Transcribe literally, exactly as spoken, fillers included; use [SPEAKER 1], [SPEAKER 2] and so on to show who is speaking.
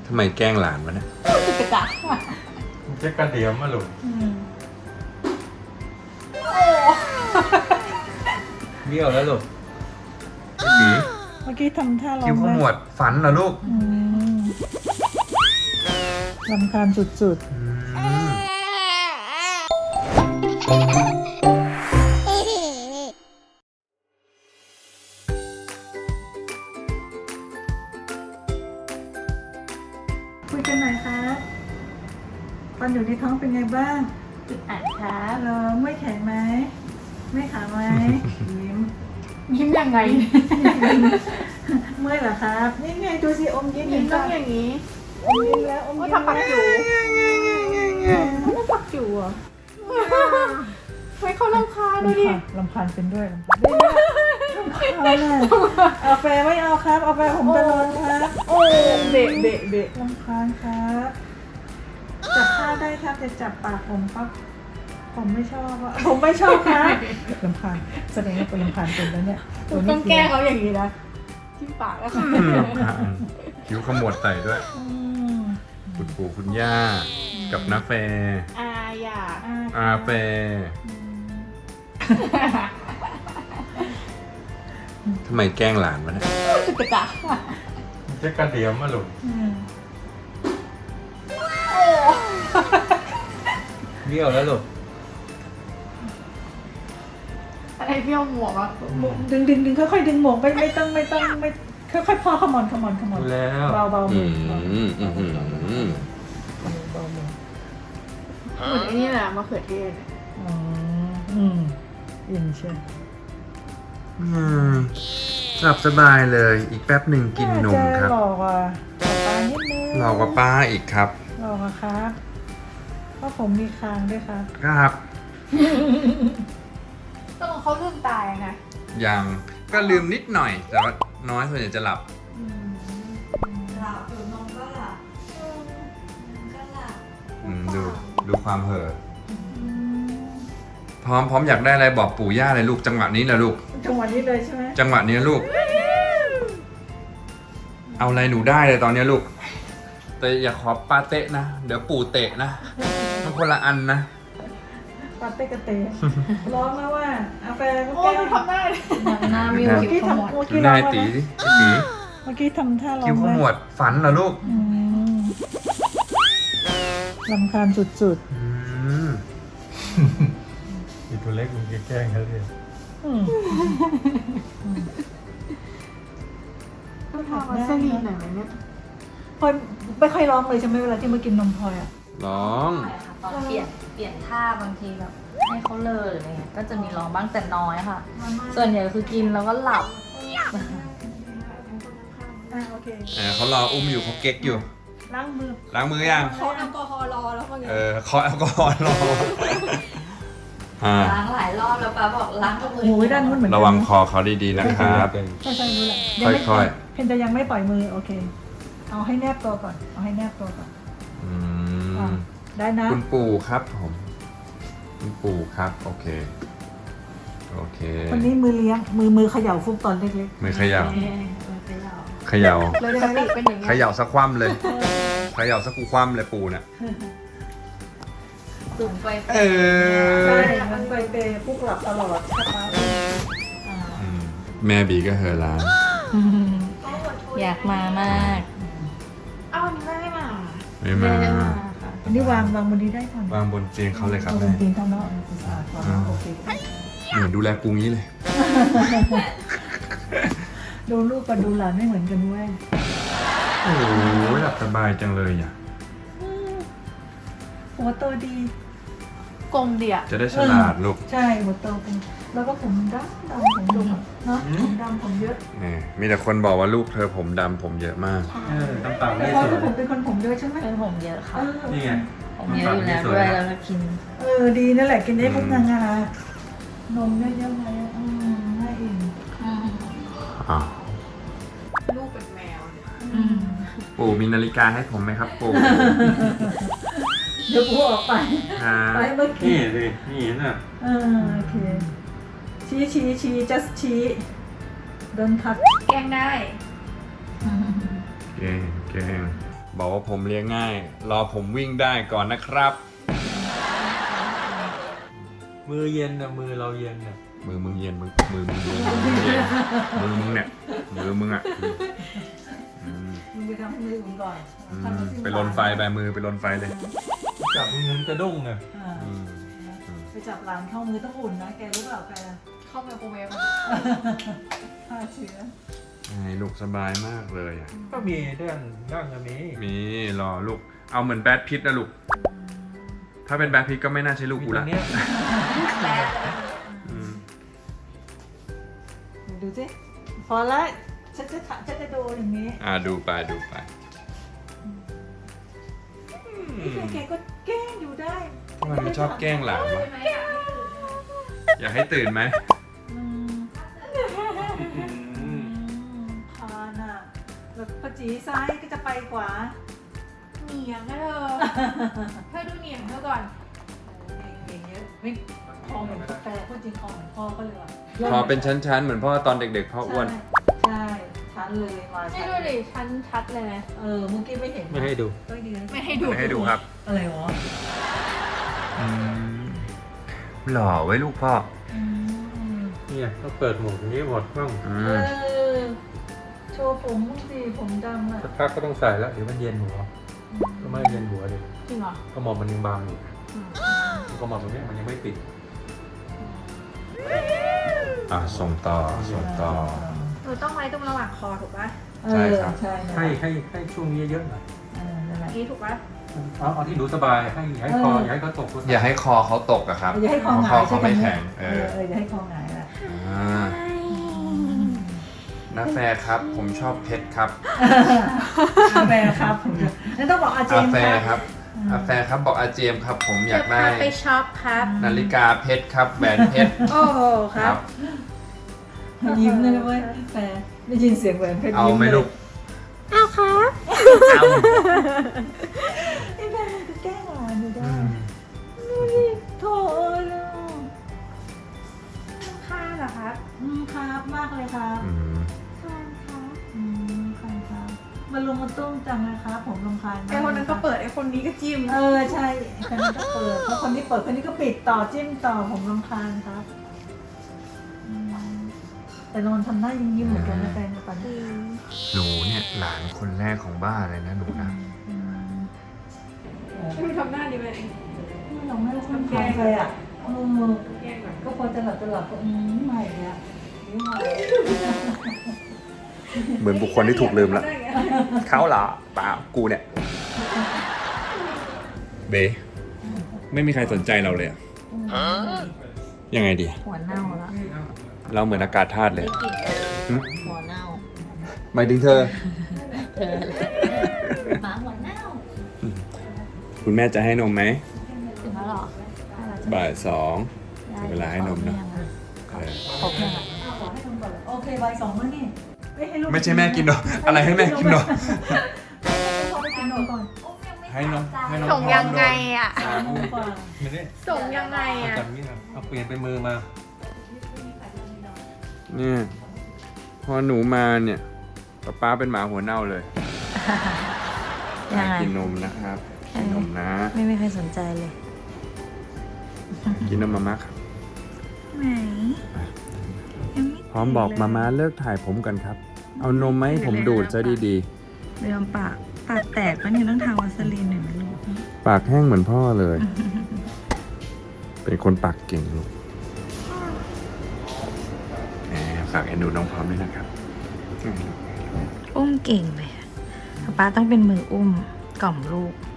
[SPEAKER 1] ทำไมแกล้งหลานวะเนี่ย
[SPEAKER 2] กระจัก
[SPEAKER 3] มันจะกระเดียมมาหลุด
[SPEAKER 1] เบี้ยวแล้วลูกไอ้ผี
[SPEAKER 4] เมื่อกี้ทำท่าร้อง
[SPEAKER 1] คิ้วขมวดฝันเหรอลูก
[SPEAKER 4] อืมรำคาญสุด
[SPEAKER 1] อืม
[SPEAKER 4] ๆคุยกันหน่อยครับตอนอยู่ในท้องเป็นไงบ้าง
[SPEAKER 2] อึดอัดครับ
[SPEAKER 4] เหรอไม่แข็งไหมไม่ขาไหมยิ้ม
[SPEAKER 2] ยิ้มยังไง
[SPEAKER 4] เมื่อยเหรอครับ นี่ไงดูสิอมยิ้ม
[SPEAKER 2] ยิ้ม
[SPEAKER 4] เห็น
[SPEAKER 2] ต้อ
[SPEAKER 4] ปะ
[SPEAKER 2] งอย่างนี้
[SPEAKER 4] อมยิ้มแล้วอม
[SPEAKER 2] ว่า
[SPEAKER 4] ยิ้ม
[SPEAKER 2] ทำปักอยู่
[SPEAKER 4] แล้ว
[SPEAKER 2] ทำปักอยู่เหรอไว้เขาลำคาญดู
[SPEAKER 4] ลำ
[SPEAKER 2] ดิ
[SPEAKER 4] คาญลำคาญเป็นด้วยลำคาญลำคาญเลยเอาแฟไม่เอาครับเอาแฟผมจะนอนครับ
[SPEAKER 2] โอ้เบะเบะเบะ
[SPEAKER 4] ลำคาญครับจับผ้าได้ครับจะจับปากผมครับผมไม่ชอบอะผมไม่ชอบครับลำคาญแสดงว่าเป็นลำคาญเป็นแล้วเนี่ยตัวนี้
[SPEAKER 2] ต้องแกล้งเขาอย่างนี้นะที่ปากแล้วค่ะ
[SPEAKER 1] อืมอ่ะอืมคิ้วขมวดใส่ด้วย
[SPEAKER 4] อืม
[SPEAKER 1] คุณปู่คุณย่า กับน้าแฟ
[SPEAKER 2] อาอยาก
[SPEAKER 1] อาแฟ ทำไมแกล้งหลานวะเนี่ย
[SPEAKER 2] กระจัก
[SPEAKER 3] มันจะกระเดียมมาหลุด
[SPEAKER 4] อืม
[SPEAKER 1] เบี้ยวแล้วลูก
[SPEAKER 2] อะไรเบี้ยวหมวกอ่ะ
[SPEAKER 4] ดึงดึงดึงค่อยๆดึงหมวกไม่ไม่ต้องไม่ต้องไม่ค่อยๆพอขมอนขมอนขมอน
[SPEAKER 1] แล้ว
[SPEAKER 4] เบาเบา
[SPEAKER 1] อื
[SPEAKER 4] มือ
[SPEAKER 1] มอืมอืมอืม
[SPEAKER 4] เบามือ
[SPEAKER 2] เหมือนไอ้นี่แหละมะเขือเทศ
[SPEAKER 4] อ๋ออืมอินเชียว
[SPEAKER 1] อืมหลับสบายเลย อีกแป๊บหนึ่งกินนมครับ
[SPEAKER 4] หลอกอ่ะหลอกตานิดนึง
[SPEAKER 1] หลอกกับป้าอีกครับ
[SPEAKER 4] หลอกอะครับเพราะผมมีคางด้วยครับ
[SPEAKER 1] ครับ
[SPEAKER 2] ต้องเขาลืมตายไง
[SPEAKER 1] ยังก็ลืมนิดหน่อย แต่ว่าน้อยส่วนใหญ่จะหลับ
[SPEAKER 4] หลับอยู่นมก็หลับก็หลับ
[SPEAKER 1] อืมดูดูความเห่อพร้อมพร้อมอยากได้อะไรบอกปู่ย่าเลยลูกจังหวะนี้นะลูก
[SPEAKER 4] จังหวะนี้เลยใช่ไหม
[SPEAKER 1] จังหวะนี้ลูก เอาอะไรหนูได้เลยตอนนี้ลูก แต่อย่าขอปาเตะนะ เดี๋ยวปู่เตะนะมันคนละอันนะ
[SPEAKER 4] ปาเต้กระเตะร้องนะว่าอาแฟก็
[SPEAKER 2] โอ้
[SPEAKER 4] แก้
[SPEAKER 2] ยมันทำหน้าเลย
[SPEAKER 4] หน้ามิว
[SPEAKER 1] เมื่
[SPEAKER 4] เมื่อกี้ทำเมื่อ
[SPEAKER 1] ดู
[SPEAKER 4] กี้
[SPEAKER 1] ห
[SPEAKER 4] ร้
[SPEAKER 1] น้า
[SPEAKER 4] อง
[SPEAKER 1] ไอ้ตี
[SPEAKER 4] แล้ว
[SPEAKER 1] สิไอ้ตี
[SPEAKER 4] เมื่อกี้ทำท่าร้อง
[SPEAKER 1] คิ้วขมวดฝันเหรอลูก
[SPEAKER 4] อืมรำคาญสุด
[SPEAKER 1] อืม
[SPEAKER 3] อีตัวเล็กมันจะแกล้งเขาเลย
[SPEAKER 4] ๆอืม
[SPEAKER 2] ต้องทำวัสลีนหน่อยไหมเนี่ย
[SPEAKER 4] พลอยไม่ค่อยร้องเลยใช่ไหมเวลาที่มากินนมพลอยอ่ะ
[SPEAKER 1] ร้อง
[SPEAKER 5] ใช่ค่ะตอนเปลี่ยนเปลี่ยนท่าบางทีแบบให้เขาเลอหรืออะไรเงี้ยก็จะมีร้องบ้างแต่น้อยค่ะ ส่วนใหญ่คือกินแล้วก็หลับ
[SPEAKER 4] อ่าโอเค
[SPEAKER 1] เออเขารออุ้มอยู่เขาเก๊กอยู่
[SPEAKER 4] ล้างมือ
[SPEAKER 1] ล้างมือยัง
[SPEAKER 2] เขาแอลกอฮอล์รอแล้วว่าไง
[SPEAKER 1] เออเคาะแอลกอฮอล์รออ่า
[SPEAKER 5] ล้างหลายรอบแล้วป้าบอกล้างกับมือ
[SPEAKER 4] โอ้ยด้านนู้นเหมือนกัน
[SPEAKER 1] ระวังคอเขาดีๆนะครับ
[SPEAKER 4] ใช่ใช่รู้แหละยังไม่
[SPEAKER 1] ค่อย
[SPEAKER 4] เพนจะยังไม่ปล่อยมือโอเค เอาให้แนบตัวก่อน เอาให้แนบตัวก่อน
[SPEAKER 1] อื
[SPEAKER 4] อ่ะ
[SPEAKER 1] ม
[SPEAKER 4] ได้นะ
[SPEAKER 1] คุณปู่ครับผม คุณปู่ครับ โอเค โอเค
[SPEAKER 4] วันนี้มือเลี้ยง มือมือเขย่าฟุกตอนเล็ก
[SPEAKER 1] มือเขย่า
[SPEAKER 5] เออเออไปแล้ว
[SPEAKER 1] เขย่า
[SPEAKER 2] เลยสติเป็นอย่าง
[SPEAKER 1] เข
[SPEAKER 2] เงี้ย
[SPEAKER 1] ย่าสักคว่ำเลย เขย่าสักกูคว่ำเลยปู่เนี่ย
[SPEAKER 5] สูงไป
[SPEAKER 1] เอ
[SPEAKER 4] ๆ
[SPEAKER 1] อ
[SPEAKER 4] ใช่มันไปเปย์ฟุกหลับตลอดใช่ปะ
[SPEAKER 1] อืมแม่บีก็เฮอร้าน
[SPEAKER 5] อยากมามาก
[SPEAKER 2] เอ้าวันนี้ไม่ได้มา
[SPEAKER 1] ไม่มา
[SPEAKER 5] ไม่ได้มาค่ะ
[SPEAKER 4] อันนี้วางวางบนนี้ได้ก่อน
[SPEAKER 1] วางบนเตียงเขาเลยครับ
[SPEAKER 4] เอาบ
[SPEAKER 1] แม่
[SPEAKER 4] นตีนเขาเนาะอ่าก่อนโอเค
[SPEAKER 1] เหมือนดูแลกูงี้เลย
[SPEAKER 4] ดูลูกกับดูหลานไม่เหมือนกันเว้ย
[SPEAKER 1] โอ้ยหลับสบายจังเลยอ่ะ
[SPEAKER 4] หัวโตดี
[SPEAKER 2] กลมเดีย
[SPEAKER 1] จะได้ฉลาดลูก
[SPEAKER 4] ใช่หัวโตเป็นแล้วก็ผมดำดำผมดำเนาะผมดำผมเยอะ
[SPEAKER 1] นี่มีแต่คนบอกว่าลูกเธอผมดำผมเยอะมาก
[SPEAKER 3] เออน้ำตาล
[SPEAKER 4] แต่
[SPEAKER 3] ไม่
[SPEAKER 4] พอ
[SPEAKER 3] สวย
[SPEAKER 4] ที่ผมเป็นคนผมเยอะใช่ไหม
[SPEAKER 5] เป็นผมเยอะค่ะ
[SPEAKER 4] เออ
[SPEAKER 3] นี่ไง
[SPEAKER 5] ผมเยอะอยู่แล้วด้วยแล้วก็กิน
[SPEAKER 4] เออดีนั่นแหละกินได้พวกงางานมเยอะๆไงอืมน่าอิ่ม
[SPEAKER 1] อ้าว
[SPEAKER 2] ลูกเป็นแมวเนี่ย
[SPEAKER 5] อืม
[SPEAKER 1] ปู่มีนาฬิกาให้ผมไหมครับปู่
[SPEAKER 4] เดี๋ยวกูออกไป
[SPEAKER 1] อ่า
[SPEAKER 4] ไปเมื่อกี้
[SPEAKER 3] นี่สินี่น่ะ
[SPEAKER 4] เออโอเคชี้ชี้ชี้ just ชี้ don't touch
[SPEAKER 2] แกล้งได้
[SPEAKER 1] เก่งเก่งบอกว่าผมเลี้ยงง่าย รอผมวิ่งได้ก่อนนะครับ
[SPEAKER 3] มือเย็นนะมือเราเย็นนะ
[SPEAKER 1] มือมึงเย็นมือมือมึงเย็นมือมึงเย็นมือมึงเนี่ยมือมึงอ่ะอืม
[SPEAKER 4] มึงไปทำให้มืออุ่นก่อน
[SPEAKER 1] อืม
[SPEAKER 4] ทำให้สิ้
[SPEAKER 1] ไปลนไฟไปมือไปลนไฟเลย
[SPEAKER 3] จับมือเงินกระด้งนะ
[SPEAKER 4] อ่า
[SPEAKER 1] อืม
[SPEAKER 4] ไปจับหลานเข้ามือต้องอุ่นนะแกรู้เปล่าแก
[SPEAKER 5] เข้าไมโครเวฟ
[SPEAKER 4] ฆ่าเชื้อ
[SPEAKER 1] ให้ลูกสบายมากเลยอ่ะ
[SPEAKER 3] ก็มีด้านด้านอันนี้
[SPEAKER 1] มีรอลูกเอาเหมือนแบทพิทนะลูกถ้าเป็นแบทพิทก็ไม่น่าใช่ลูก
[SPEAKER 3] มี
[SPEAKER 1] กู
[SPEAKER 3] ตร
[SPEAKER 1] ละ
[SPEAKER 3] งเนี้ย
[SPEAKER 1] อืม
[SPEAKER 4] ดูสิพอแล้วฉันจะถามฉันจะดูอย่างนี้
[SPEAKER 1] อ่าดูไปดูไป
[SPEAKER 4] นี่แกก็แกล้งอยู่ได้
[SPEAKER 1] ทำไมมันชอบแกล้งหลานวะอยากให้ตื่นไหม
[SPEAKER 4] อืมพาน่ะแล้วพอจีซ้ายก็จะไปขวา
[SPEAKER 5] เหนียงนะเธอเธอดูเหนียงเธอก่อน
[SPEAKER 4] เก่งเยอะเฮ้ยคอเหมือนกาแฟพูดจริงคอเหมือนพ่อก็เลยว่ะ
[SPEAKER 1] พอเป็นชั้นๆเหมือนพ่อตอนเด็กๆพ่ออ้วน
[SPEAKER 4] ใช่ชันเลยมา
[SPEAKER 5] ให้
[SPEAKER 4] ชัน
[SPEAKER 5] ดูดิชั้นชัดเลยไหม
[SPEAKER 4] เออเมื่อกี้ไม่เห็น
[SPEAKER 3] ไม่ให้ดู
[SPEAKER 4] ก็ดีนะ
[SPEAKER 5] ไม่ให้ดู
[SPEAKER 1] ไม่ให้ดูครับ
[SPEAKER 4] อะไรวะ
[SPEAKER 1] หล่อไว้ลูกพ่อ
[SPEAKER 4] อืม
[SPEAKER 3] เนี่ยก็เปิดหมวกอย่างนี้หมดบ้าง
[SPEAKER 1] อื
[SPEAKER 4] เอ
[SPEAKER 1] ม
[SPEAKER 4] อโชว์ผมสิผมดำอ่ะ
[SPEAKER 3] สักพักก็ต้องใส่แล้วเดี๋ยวมันเย็นหัวก็ไม่เย็นหัวเดี๋ยว
[SPEAKER 5] จริงเหรอ
[SPEAKER 3] ก็มองมันยังบางอยู่
[SPEAKER 5] อืม
[SPEAKER 3] ก็มองตรงเนี้ยมันยังไม่ติด
[SPEAKER 1] อ่ะส่งต่อส่งต่อ
[SPEAKER 5] หนูต้องไว้ตรงระหว่างคอถูกปะ
[SPEAKER 4] เอ
[SPEAKER 1] ใช่
[SPEAKER 4] อ
[SPEAKER 1] ครับ
[SPEAKER 4] ใช่นะ
[SPEAKER 3] ให้ให้ให้ช่วงนี้เยอะๆหน่อย
[SPEAKER 4] เออนั่นแหละ
[SPEAKER 5] นี้ถูกปะ
[SPEAKER 3] เอาเอาที่หนูสบายให้อย่าให้คออย่าให้เขาตก
[SPEAKER 1] อย่าให้คอเขาตกอะครับ
[SPEAKER 4] อย่าให้คอหงาย
[SPEAKER 1] เพราะเขาไม่แข็ง
[SPEAKER 4] เอ
[SPEAKER 1] เอ
[SPEAKER 4] อ
[SPEAKER 1] อ
[SPEAKER 4] เอออย่าให้คอหงายละ
[SPEAKER 1] อ่าน้าแฟร์ครับ ผมชอบเพชรครับ
[SPEAKER 4] อาแฟร์ครับผมจะนั่นต้องบอกอาเจ
[SPEAKER 1] อาม
[SPEAKER 4] ส์
[SPEAKER 1] แฟ
[SPEAKER 4] ค
[SPEAKER 1] ร์
[SPEAKER 4] รับ
[SPEAKER 1] ครับอาแฟร์ครับบอกอาเจมส์ครับ ผมอยากได้
[SPEAKER 5] จะพไปช็อปครับ
[SPEAKER 1] นาฬิกาเพชรครับแหวนเพชร
[SPEAKER 5] โอ้โหครับ
[SPEAKER 4] ยิ้มเลยนะเว้ยแฟร์ได้ยินเสียงแหวนเพชร
[SPEAKER 1] เอา
[SPEAKER 4] ยิ้ม
[SPEAKER 1] ไหม
[SPEAKER 4] เลย
[SPEAKER 1] ลูก
[SPEAKER 5] เอาครับ
[SPEAKER 1] เอา
[SPEAKER 4] ไอ้แฟร์มันก็แกล้งหลานอยู่ได้
[SPEAKER 3] อืม
[SPEAKER 4] ดูดิโถเอ้ยลูก
[SPEAKER 5] ค่าเหรอครับ
[SPEAKER 4] อืมครับมากเลยครับ
[SPEAKER 1] อืม
[SPEAKER 5] ค่าครับ
[SPEAKER 4] อืมครับครับมาลงมาตุ้มจังเลยครับผมรำคาญมาก
[SPEAKER 5] ไอคนนั้นก็เปิดไอคนนี้ก็จิ้ม
[SPEAKER 4] เออใช่คนนี้ก็เปิดเพราะคนนี้เปิดคนนี้ก็ปิดต่อจิ้มต่อผมรำคาญครับอืมแต่นอนทำหน้ายิ้มยิ้มๆเหมือนกันนะแฟนตอนนี้
[SPEAKER 1] หนูเนี่ยหลานคนแรกของบ้านเลยนะหนูนะ
[SPEAKER 4] อืม
[SPEAKER 5] ดูทำหน้าดีไหม
[SPEAKER 4] เราไม่ทำแกงเลยอ่ะเออ
[SPEAKER 5] แกล้งก่อน
[SPEAKER 4] ก็พอจะหลับจะหลับก็อืมใหม่เนี่ยนี่ใหม่
[SPEAKER 1] เหมือนบุคคลที่ถูกลืมละเขาเหรอเปล่ากูเนี่ย เบไม่มีใครสนใจเราเลยอะยังไงดี
[SPEAKER 5] หัวเน่าแล้ว
[SPEAKER 1] เราเหมือนอากาศธาตุเลย
[SPEAKER 5] ได้กลิ่น
[SPEAKER 1] หึ
[SPEAKER 5] หัวเน่า
[SPEAKER 1] หมายถึงเธอ
[SPEAKER 5] เธอหมาหัวเน่า
[SPEAKER 1] คุณแม่จะให้นมไหม
[SPEAKER 5] ถึงแล้วเหรอให้เราจะ
[SPEAKER 1] บ่ายสอง
[SPEAKER 5] ได้
[SPEAKER 1] ถึงเวลาให้นมนะ เออ
[SPEAKER 5] ครบยังอ่ะ
[SPEAKER 4] ขอให้ทำก่อนโอเคใบสองแล้วนี่เอ้ยให้ลูก
[SPEAKER 1] ไม่ใช่แม่กินนมอะไรให้แม่กินนม
[SPEAKER 4] ให้พ่อไปกินนมก่อน
[SPEAKER 1] ให้นมให้นม
[SPEAKER 5] ส่งยังไงอ่ะ
[SPEAKER 4] สามโมงกว่า
[SPEAKER 3] ไม่ได้
[SPEAKER 5] ส่งยังไง
[SPEAKER 3] เอา
[SPEAKER 5] อ่ะ
[SPEAKER 3] จับนี้นะเอาเปลี่ยนเป็นมือมา
[SPEAKER 1] เนี่ยพอหนูมาเนี่ยป๊าป๊าเป็นหมาหัวเน่าเลย
[SPEAKER 5] ยังไง
[SPEAKER 1] กินนมนะครับกินนมนะ
[SPEAKER 5] ไม่มีใครสนใจเลย
[SPEAKER 1] กินนมมาม่าครับ
[SPEAKER 5] ไหน
[SPEAKER 1] พร้อมบอกมาม่าเลิกถ่ายผมกันครับ เอานมไหมผมดูดซะดี
[SPEAKER 5] เรื่องปากปากแตกปะเนี่ยต้องทาวัสลีนหน่อยนะลูก
[SPEAKER 1] ๆ ปากแห้งเหมือนพ่อเลย เป็นคนปากเก่งลูกแหมฝากเอ็นดูน้องพร้อมด้วยนะครับ
[SPEAKER 5] อุ้มเก่งเลยอะป๊าต้องเป็นมืออุ้มกล่อมลูก